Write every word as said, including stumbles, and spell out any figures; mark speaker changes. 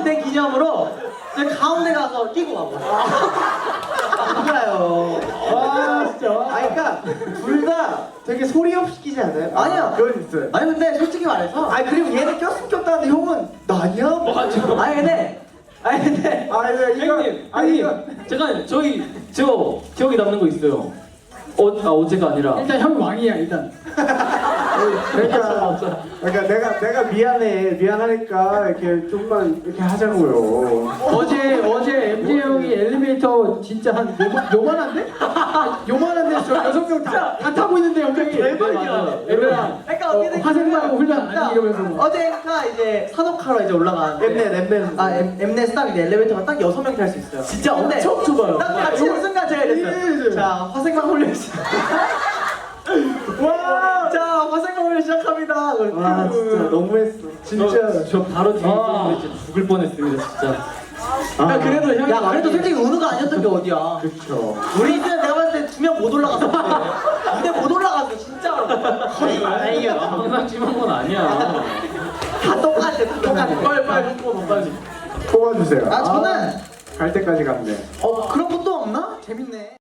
Speaker 1: 된 기념으로 이제 가운데 가서 끼고 가버려. 그래요.
Speaker 2: 와 진짜.
Speaker 3: 아 그러니까 둘 다 되게 소리 없이 끼지 않아요?
Speaker 1: 아니요.
Speaker 3: 그건 있어요.
Speaker 1: 아니 근데 솔직히 말해서
Speaker 3: 아니 그리고 얘는 꼈으면 꼈다는데 형은 나 아니야?
Speaker 2: 맞아.
Speaker 1: 아니 근데 아니 근데
Speaker 3: 아 이거 이거
Speaker 2: 형님,
Speaker 3: 아니 이거
Speaker 2: 형님, 잠깐 저희 저 기억에 남는 거 있어요. 어, 아 어제가 아니라.
Speaker 4: 일단 형 왕이야 일단.
Speaker 3: 그러니까 그러니까 내가 내가 미안해 미안하니까 이렇게 좀만 이렇게 하자고요.
Speaker 4: 어제 어제 엠제 형이 엘리베이터 진짜 한 요만, 요만한데? 요만한데 저 여섯 명 다 다 타고 있는데 형이
Speaker 1: 대박이야.
Speaker 4: 얘들아
Speaker 1: 그러니까 어떻게 된
Speaker 4: 화생방하고 훈련 아니
Speaker 1: 그러니까
Speaker 4: 이러면서
Speaker 1: 어제가 이제 산업카로 이제 올라가는데
Speaker 3: 엠넷 엠넷
Speaker 1: 아 엠, 엠넷 딱 이제 엘리베이터가 딱 여섯 명이 탈 수 있어요.
Speaker 2: 진짜
Speaker 1: 근데
Speaker 2: 엄청 좁아요.
Speaker 1: 딱 같이 는 순간 제가 이랬어요. 자 화생방 훈련 시작.
Speaker 3: 와!
Speaker 1: 자 화생방 훈련 시작합니다.
Speaker 3: 와 진짜 너무했어. 진짜.
Speaker 2: 저, 저 바로 뒤에
Speaker 4: 아.
Speaker 2: 있었는데 진짜 죽을 뻔했습니다 진짜.
Speaker 1: 야 그래도 형이 야 그래도 솔직히 은우가 아니었던 게 어디야.
Speaker 3: 그쵸.
Speaker 1: 우리 이제 내가 봤을 때 두 명 못 올라갔어. 무대 못 올라갔어 진짜로.
Speaker 2: 이게 항상 심한 건 아니야.
Speaker 1: 다 똑같아 다 똑같아.
Speaker 2: 빨리 빨리 뽑아 빨리.
Speaker 3: 뽑아주세요.
Speaker 1: 아 저는
Speaker 3: 갈 때까지 갔네.
Speaker 1: 어 그런 것도 없나? 재밌네.